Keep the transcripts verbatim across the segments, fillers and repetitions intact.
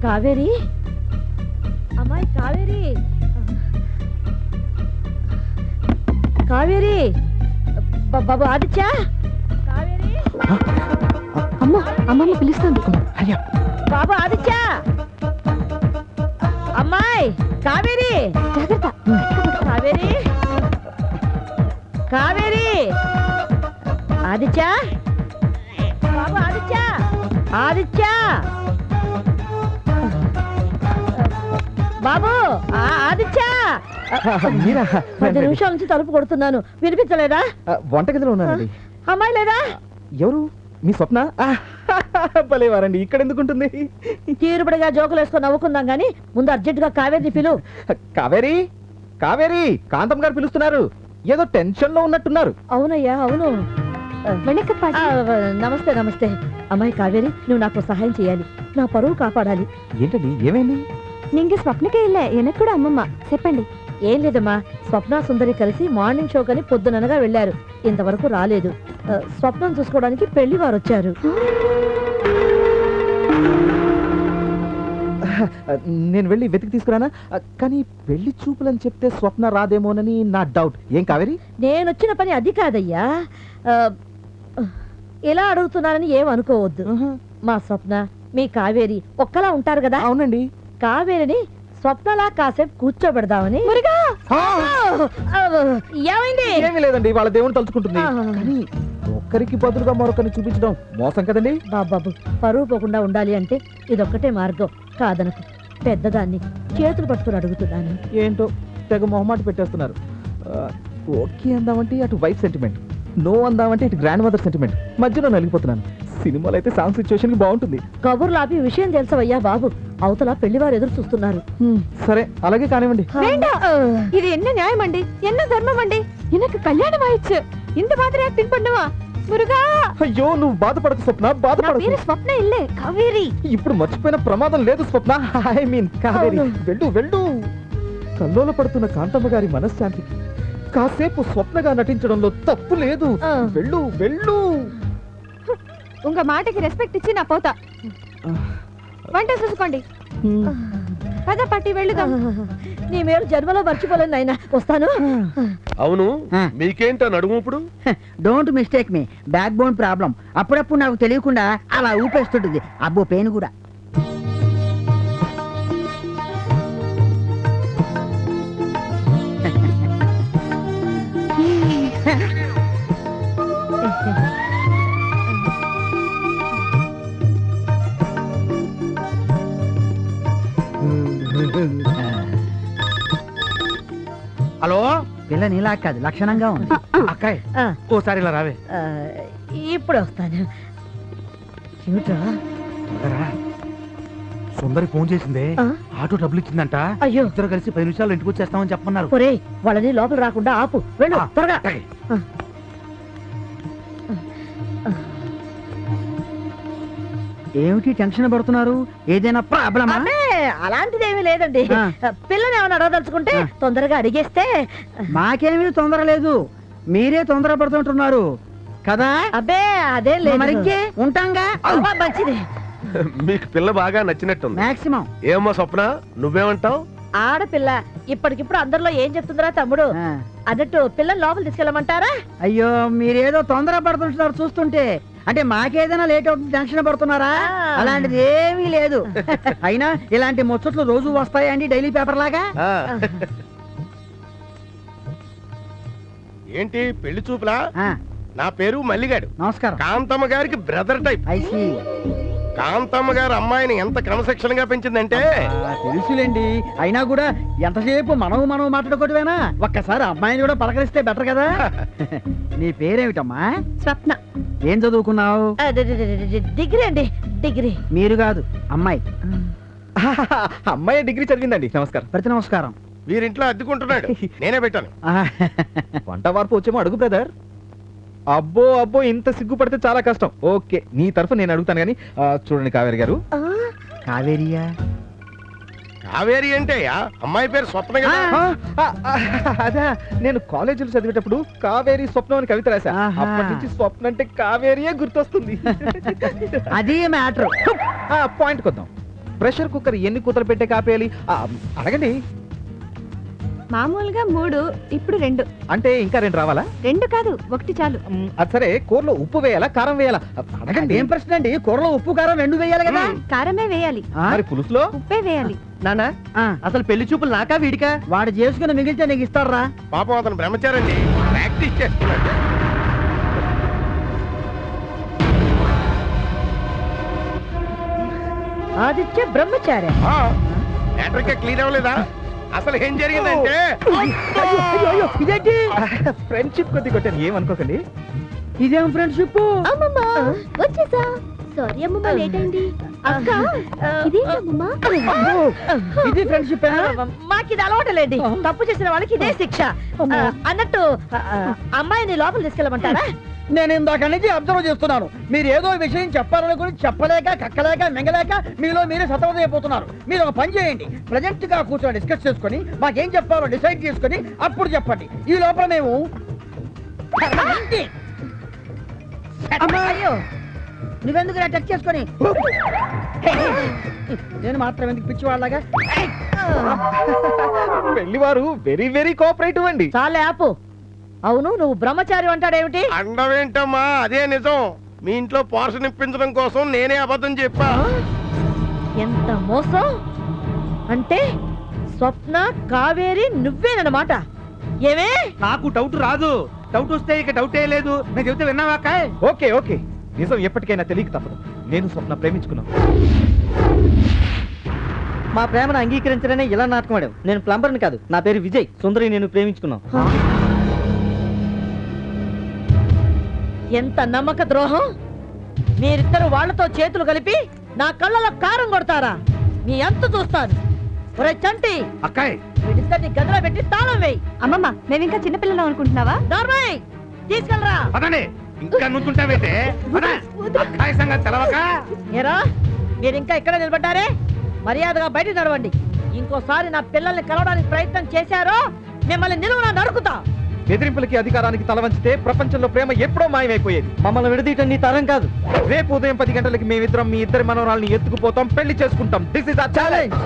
కావేరి, అమ్మాయి కావేరి, కావేరి, బాబు ఆదిత్య, కావేరి, అమ్మ అమ్మమ్మ పిలుస్తుంది. బాబు ఆదిత్య, అమ్మాయి కావేరి, జాగ్రత్త. కావేరి, కావేరి, ఆదిత్య, బాబు ఆదిత్య, ఆదిత్య, బాబు ఆదిత్య. పది నిమిషాల నుంచి తలుపు కొడుతున్నాను, వినిపించలేదా? వంటగదిలో ఉన్నానండి. అమ్మాయి లేదా? ఎవరు? మీ స్వప్న? భలేవారండి, ఇక్కడ ఎందుకుంటుంది? తీరుబడిగా జోకులు వేసుకొని నవ్వుకుందాం గానీ ముందు అర్జెంట్ గా కావేరి పిలు. కావేరి, కావేరి, కాంతం గారు పిలుస్తున్నారు. ఏదో టెన్షన్ లో ఉన్నట్టున్నారు. అవునయ్యా, అవును. నమస్తే నమస్తే. అమ్మాయి కావేరి, నువ్వు నాకు సహాయం చేయాలి. నా పరువు కాపాడాలి. ఏంటండి, ఏమైంది? నింగి స్వప్నకే ఇల్లే ఎనకు కూడా అమ్మమ్మ చెప్పండి. ఏం లేదమ్మా, స్వప్న సుందరి కలిసి మార్నింగ్ షో కని పొద్దుననగా వెళ్లారు. ఇంతవరకు రాలేదు. స్వప్నం చూసుకోవడానికి పెళ్లి వారు వచ్చారు. నేను వెళ్ళి వెతికి తీసుకురానా? కానీ పెళ్లి చూపులని చెప్తే స్వప్న రాదేమోనని నా డౌట్. ఏం కావేరి? నేను వచ్చిన పని అది కాదయ్యా. ఇలా అడుగుతున్నానని ఏమనుకోవద్దు. మా స్వప్న, మీ కావేరి ఒక్కలా ఉంటారు కదా? అవునండి. కావేరిని స్వప్నలా కాసేపు కూర్చోబెడదామని. ఏమైంది? ఏమీ లేదండి, వాళ్ళ దేవుని తలుచుకుంటుంది. కానీ ఒక్కరికి బదులుగా మరొకరిని చూపించడం మోసం కదండి. బాబాబు, పరువు పోకుండా ఉండాలి అంటే ఇదొక్కటే మార్గం. కాదనకు, పెద్దదాన్ని చేతులు పట్టుకుని అడుగుతున్నాను. ఏంటో తెగ మొహమాట పెట్టేస్తున్నారు. ఓకే అందామంటే అటు వైఫ్ సెంటిమెంట్, నో అందామంటే ఇటు గ్రాండ్ మదర్ సెంటిమెంట్. మధ్యలో నలిగిపోతున్నాను. సినిమాలో అయితే సాంగ్ సిచ్యువేషన్ కి బాగుంటుంది. కబుర్లు ఆపి విషయం తెలుసవయ్యా బాబు. అవతల పెళ్లివారు ఎదురు చూస్తున్నారు. సరే, అలాగే కానివ్వండి. ఇది ఎన్న న్యాయం అండి, ఎన్న ధర్మం అండి. ఎనకు కళ్యాణం ఆయిచ్చు, ఇంత మాత్రం యాక్టింగ్ పడ్డవా మురుగా? అయ్యో, నువ్వు బాధపడకు స్వప్న, బాధపడకు. స్వప్న ఇల్లే కావేరి. ఇప్పుడు మర్చిపోయిన ప్రమాదం లేదు స్వప్న. ఐ మీన్ కావేరి, వెళ్ళు వెళ్ళు. కల్లోల పడుతున్న కాంతమ్మ గారి మనశ్శాంతికి కాసేపు స్వప్నగా నటించడంలో తప్పు లేదు. వెళ్ళు వెళ్ళు. ఉంగ మాటకి రెస్పెక్ట్ ఇచ్చి నా పోతా. వంట చూసుకోండి. పద పట్టి వెళ్ళుదాం. నీ మేలు జన్మలో మర్చిపోలేను నాయన. వస్తాను. అవును, మీకేంటో నడుము ఇప్పుడు? Don't mistake me, backbone problem. అప్పుడప్పుడు నాకు తెలియకుండా అలా ఊపేస్తుంటుంది. అబ్బో, పెయిన్ కూడా. హలో, పిల్ల నీలా కాదు, లక్షణంగా ఉంది. అక్కాయ్ ఓసారి ఇలా రావే. ఇప్పుడే వస్తాను. ఏమిట్రా? సుందరి ఫోన్ చేసిందే, ఆ? ఆటో డబ్బులు ఇచ్చిందంట. అయ్యో, ఇద్దరు కలిసి పది నిమిషాలు ఇంటికి వచ్చేస్తామని చెప్పమన్నారు. ఒరే, వాళ్ళని లోపల రాకుండా ఆపు. వెళ్ళు ఆ, త్వరగా. అలాగే. ఏమిటి టెన్షన్ పడుతున్నారు? ఏదైనా ప్రాబ్లమా? అబ్బే, అలాంటిదేమీ లేదండి. ఆ. పిల్లని ఏమైనా అడగదలుచుకుంటే ఆ. తొందరగా అడిగేస్తే. మాకేమీ తొందర లేదు, మీరే తొందర పడుతుంటున్నారు కదా. అబ్బే, అదేం లేదు. మరికే ఉంటాంగా. అబ్బా, మంచిది. మీకు పిల్ల బాగా నచ్చినట్టుంది. మాక్సిమం. ఏమో స్వప్న, నువ్వేమంటావు? ఆడపిల్ల ఇప్పటికిప్పుడు అందరిలో ఏం చెప్తుందిరా తమ్ముడు? అన్నట్టు పిల్లని లోపల తీసుకెళ్ళమంటారా? అయ్యో, మీరేదో తొందర పడుతుంటున్నారు చూస్తుంటే. అంటే మాకేదైనా లేట్ అవుతుంది టెన్షన్ పడుతున్నారా? అలాంటిది ఏమీ లేదు. అయినా ఇలాంటి ముచ్చట్లు రోజు వస్తాయండి డైలీ పేపర్ లాగా. ఆ. ఏంటి పెళ్లి చూపులా? ఆ, నా పేరు మల్లిగాడు. నమస్కారం. కాంతమ్మ గారికి brother type. I see. Kanthamma garu అమ్మాయిని ఎంత క్రమశిక్షణగా గా పెంచిందంటే. ఆ, తెలుసులేండి. అయినా కూడా ఎంతసేపు మనం మనం మాట్లాడుకోవటమేనా? ఒక్కసారి అమ్మాయిని కూడా పలకరిస్తే బెటర్ కదా. నీ పేరేమిటమ్మా? స్వప్న. ఏం చదువుకున్నావు? ఆ, డి- డి- డి- డి- డిగ్రీ అండి, డిగ్రీ. మీరు కాదు, అమ్మాయి. అమ్మాయి డిగ్రీ చదివిందండి. నమస్కారం. ప్రతి నమస్కారం. వీరింట్లో అద్దెకుంటున్నాడు, నేనే పెట్టాను. ఆ, వంట వార్పు వచ్చేమో అడుగు బ్రదర్. అబ్బో అబ్బో, ఇంత సిగ్గుపడితే చాలా కష్టం. ఓకే, నీ తరఫు నేను అడుగుతాను కానీ చూడండి కావేరి గారు. ఆ, కావేరియా? కావేరి అంటే అమ్మాయి పేరు స్వప్న కదా. ఆ, ఆ, ఆ, అదా, నేను కాలేజీలో చదివేటప్పుడు కావేరి స్వప్నం అని కవిత రాశా. ఆహా. అప్పటి నుంచి స్వప్న అంటే కావేరియే గుర్తొస్తుంది. అది మ్యాటర్. పాయింట్ కొద్దాం. ప్రెషర్ కుక్కర్ ఎన్ని కూతలు పెట్టే కాపేయాలి ఆ, అడగండి. మామూలుగా మూడు, ఇప్పుడు రెండు. అంటే ఇంకా రెండు రావాలా? రెండు కాదు, ఒకటి చాలు. మ్, అది సరే, కూరలో ఉప్పు వేయాలా కారం వేయాలా? అడగండి. ఏం ప్రశ్న అండి, కూరలో ఉప్పు కారం రెండు వేయాలి కదా. కారమే వేయాలి, ఆ? మరి పులుసులో? ఉప్పే వేయాలి. నానా అసలు పెళ్లి చూపులు నాకా వీడికా? వాడు చేసుకుని మిగిలితే నీకు ఇస్తారా? పాపం అతను బ్రహ్మచారండి, ప్రాక్టీస్ చేస్తున్నాడు. ఆదిత్య బ్రహ్మచారి. మ్యాటర్కే క్లియర్ అవ్వలేదా? అసలు ఏం జరిగిందంటే ఇదేంటి? ఫ్రెండ్షిప్ కొద్ది కొట్టాను, ఏమనుకోకండి. ఇదేం ఫ్రెండ్షిప్? అమ్మమ్మ వచ్చేసా. సారీ అమ్మమ్మ, లేట్ అయింది. అక్క ఇదేంటి అమ్మమ్మ? ఇది ఫ్రెండ్షిప్? మాకు ఇది అలవాటులేండి, తప్పు చేసిన వాళ్ళకి ఇదే శిక్ష. ఆ, అన్నట్టు ఆ, ఆ, అమ్మాయిని లోపల తీసుకెళ్ళమంటారా? నేను ఇందాక నుంచి అబ్జర్వ్ చేస్తున్నాను. మీరు ఏదో విషయం చెప్పాలనుకుని చెప్పలేక కక్కలేక మింగలేక మీలో మీరే సతమతం అయిపోతున్నారు. మీరు ఒక పని చేయండి, ప్రజెంట్ గా కూర్చొని డిస్కస్ చేసుకొని మాకేం చెప్పాలో డిసైడ్ చేసుకొని అప్పుడు చెప్పండి. ఈ లోపల మేము అయ్యో, నువ్వెందుకు టచ్ చేసుకొని నేను మాత్రం ఎందుకు పిచ్చి వాళ్ళగా? పెళ్లివారు వెరీ వెరీ కోఆపరేటివ్ అండి. చాలే ఆపు. అవును, నువ్వు బ్రహ్మచారి అంటాడేమిటి? అండవేంటమ్మా, అదే నిజం. మీ ఇంట్లో పోర్షన్ ఇప్పించడం కోసం నేనే అబద్ధం చెప్పా. ఎంత మోసం! అంటే స్వప్న, కావేరి నువ్వేనమాట. ఏమే? నాకు డౌట్ రాదు. డౌట్ వస్తే ఇక డౌటే లేదు. నేను చెబితే విన్నావా అక్కాయ్? ఓకే ఓకే, నిజం ఎప్పటికైనా తెలియక తప్పదు. నేను స్వప్న ప్రేమించుకున్నాను. మా ప్రేమను అంగీకరించడనే ఇలా నాటకం ఆడావు. నేను ప్లంబర్ని కాదు, నా పేరు విజయ్. సుందరి నేను ప్రేమించుకున్నాం. ఎంత నమ్మక ద్రోహం! మీరిద్దరు వాళ్లతో చేతులు కలిపి నా కళ్ళలో కారం కొడతారా? మీ అంతు చూస్తాను. ఒరే చంటి, అక్కాయ్ వీడిద్దరిని గదిలో పెట్టి తాళం వేయి. అమ్మమ్మ, మేము ఇంకా చిన్నపిల్లలు అనుకుంటున్నావా? నార్మల్ తీసుకెళ్ళరా. పదండి, ఇంకా నుంచుంటావేంటే? పద. అక్కాయ్ సంగతి తెలవక ఏరా, మీరు ఇంకా ఇక్కడ నిలబడ్డారే? మర్యాదగా బయట నడవండి. ఇంకోసారి నా పిల్లల్ని కలవడానికి ప్రయత్నం చేశారో మిమ్మల్ని నిలువునా నరుకుతా. బెదిరింపులకి అధికారానికి తల వంచితే ప్రపంచంలో ప్రేమ ఎప్పుడో మాయమైపోయేది. మమ్మల్ని విడదీయటం నీ తరం కాదు. రేపు ఉదయం పది గంటలకి మేమిద్దరం మీ ఇద్దరి మనవరాల్ని ఎత్తుకుపోతాం, పెళ్లి చేసుకుంటాం. This is our challenge.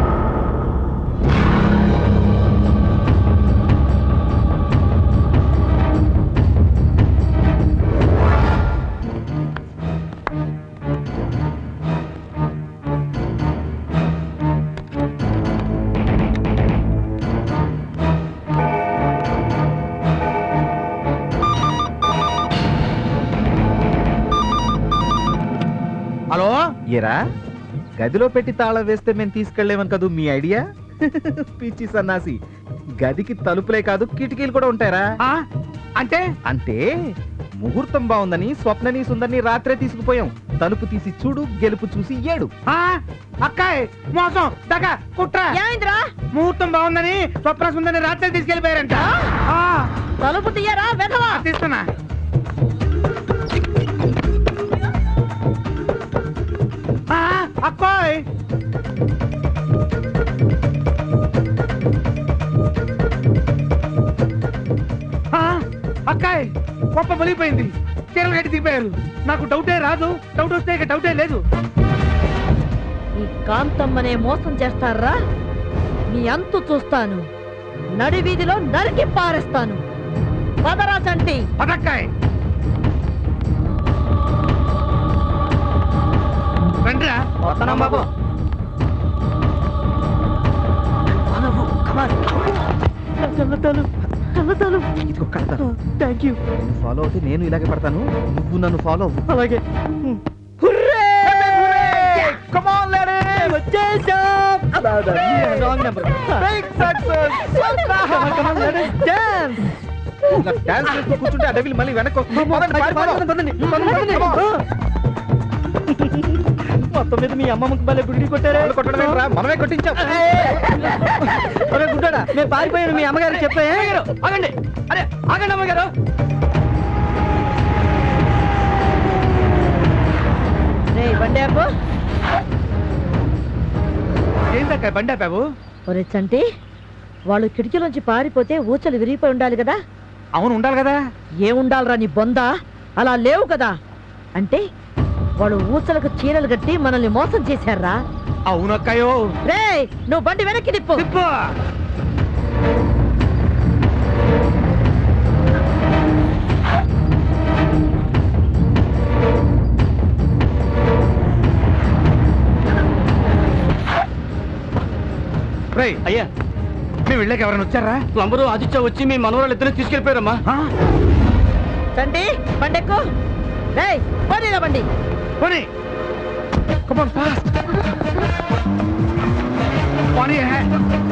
Hello, ఏరా, గదిలో పెట్టి తాళం వేస్తే మేము తీసుకెళ్లేమని కదూ మీ ఐడియా? పిచ్చి సన్నాసి, గదికి తలుపులే కాదు కిటికీలు కూడా ఉంటాయరా. ఆ? అంటే అంటే ముహూర్తం బాగుందని స్వప్నని సుందరిని రాత్రే తీసుకుపోయాం. తలుపు తీసి చూడు, గెలుపు చూసి ఏడు. ఆ? అక్కాయ్ మోసం, దగ, కుట్ర. ఏమైందిరా? ముహూర్తం బాగుందని స్వప్న సుందరిని రాత్రి తీసుకెళ్లిపోయారంట. ఆ, తలుపు తీయరా వెధవా. తీస్తున్నా. ఆ, అక్కోయ్ ఆ, అక్కాయ్ గొప్ప బలిపోయింది. చీరలు కట్టి దిగిపోయారు. నాకు డౌటే రాదు. డౌట్ వస్తే ఇక డౌటే లేదు. ఈ కాంతమ్మనే మోసం చేస్తారా? మీ అంతు చూస్తాను. నడి వీధిలో నరికి పారేస్తాను. పదరా చంటి. పదక్కాయ్ రండిరా. వస్తున్నాం బాబు. కన్నతాలు కన్నతాలు. ఇదిగో కడతాను. Thank you. నువ్వు ఫాలో అవుతే నేను ఇలాగే పడతాను, నువ్వు నన్ను ఫాలో అవ్వు. అలాగే. Come on, ladies! వచ్చేసాం. Wrong number. Big success! Dance. ఇలా డాన్స్ చేస్తూ కూర్చుంటే ఆ డెవిల్ మళ్ళీ వెనక్కి వస్తుంది. పదండి, పారిపోదాం. Come on. మొత్తం మీద మీ అమ్మమ్మకి భలే గుడి కొట్టారే. వాళ్ళు కొట్టడం ఏంట్రా? మనమే కొట్టించాం. ఒరే గుడ్డాడా, మేము పారిపోయాను మీ అమ్మగారు చెప్పే. ఆగండి. అరే ఆగండి అమ్మగారు. రే బండి ఆపు. ఏందక్కాయ్ బండి ఆపావు? ఒరే చంటి, వాళ్ళు కిటికీలోంచి పారిపోతే ఊచలు విరిగిపోయి ఉండాలి కదా. అవును ఉండాలి కదా. ఏముండాలరా నీ బొంద? అలా లేవు కదా. అంటే వాళ్ళు ఊసలకు చీరలు కట్టి మనల్ని మోసం చేశారా? అవునక్కయ్యో. రేయ్ నువ్వు బండి వెనక్కి తిప్పు. తిప్పు. రేయ్ అయ్యా, మేము వెళ్ళాక ఎవరైనా వచ్చారా? ప్లంబరు ఆదిత్య వచ్చి మీ మనవరాలు ఇద్దరు తీసుకెళ్ళిపోయారమ్మా. ఆ? చండి బండెక్కు. రేయ్ పోనీరా బండి. పోనీ. Come on, fast. పోనీ.